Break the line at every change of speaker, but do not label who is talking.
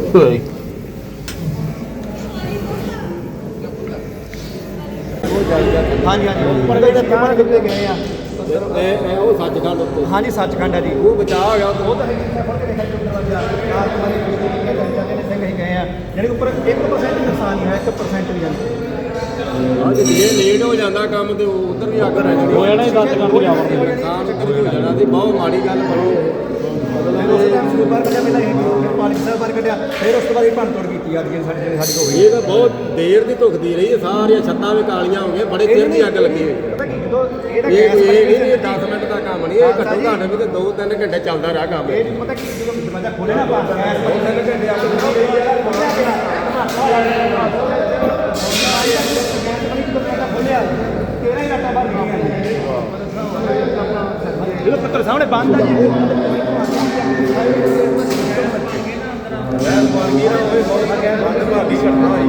ਹਾਂਜੀ ਹਾਂਜੀ ਉੱਪਰ ਦੇ ਤਾਂ ਕਿੱਥੇ ਗਏ ਆ
ਉਹ ਸੱਚਖੰਡ ਉੱਤੇ
ਹਾਂਜੀ ਸੱਚਖੰਡ ਹੈ ਜੀ
ਉਹ ਬਚਾ ਹੋ ਗਿਆ
ਉਹ ਤਾਂ ਸਿੰਘ ਹੀ ਗਏ ਆ ਯਾਨੀ ਉੱਪਰ 1% ਨੁਕਸਾਨ ਹੀ ਹੈ 1% ਵੀ ਜਾਂਦੇ
ਜੇ ਲੇਟ ਹੋ ਜਾਂਦਾ ਕੰਮ ਤੇ ਉਧਰ ਵੀ ਅੱਗ ਰਹਿਣੀ
ਹੋ ਜਾਣਾ 10 ਘੰਟੇ ਜਾਵਾਂਗੇ
ਨੁਕਸਾਨ ਉੱਧਰ ਵੀ ਹੋ ਜਾਣਾ ਤੇ ਬਹੁਤ ਮਾੜੀ ਗੱਲ ਬਣੀ
ਉਸ ਟਾਈਮ ਸਕੂਲ ਬਾਹਰ ਕੱਢਿਆ ਪਹਿਲਾਂ ਪਾਣੀ ਸਾਹਿਬ ਬਾਹਰ ਕੱਢਿਆ ਫਿਰ ਉਸ ਤੋਂ ਬਾਅਦ ਇਹ ਭੰਨ ਤੋੜ ਕੀਤੀ ਅੱਜ ਸਾਡੀ ਹੋ ਗਈ
ਇਹ ਤਾਂ ਬਹੁਤ ਦੇਰ ਦੀ ਧੁਖਦੀ ਰਹੀ ਹੈ ਸਾਰੀਆਂ ਛੱਤਾਂ ਵੀ ਕਾਲੀਆਂ ਹੋ ਗਈਆਂ ਬੜੇ ਚਿਰ ਦੀ ਅੱਗ ਲੱਗੀ ਹੋਈ
ਪਤਾ ਕੀ ਜਦੋਂ
ਇਹ 10 ਮਿੰਟ ਦਾ ਕੰਮ ਨਹੀਂ ਇਹ ਘੱਟੋ ਘੱਟ ਵੀ ਤੇ 2-3 ਘੰਟੇ ਚੱਲਦਾ ਰਿਹਾ ਕੰਮ
ਇਹ ਪਤਾ ਕੀ ਜਦੋਂ ਦਰਵਾਜ਼ਾ ਖੋਲੇ ਨਾ ਆਪਾਂ
2-3 ਘੰਟੇ ਅੱਗ
ਖੋਲਿਆ 13 ਹੀ ਰਾਤਾਂ ਬਾਹਰ ਗਈਆਂ ਜਦੋਂ ਪੱਤਰ ਸਾਹਮਣੇ ਬੰਦ ਆ ਜੀ
ਮੈਂ ਬਣ ਗਈ ਨਾ ਉਹ ਬਹੁਤ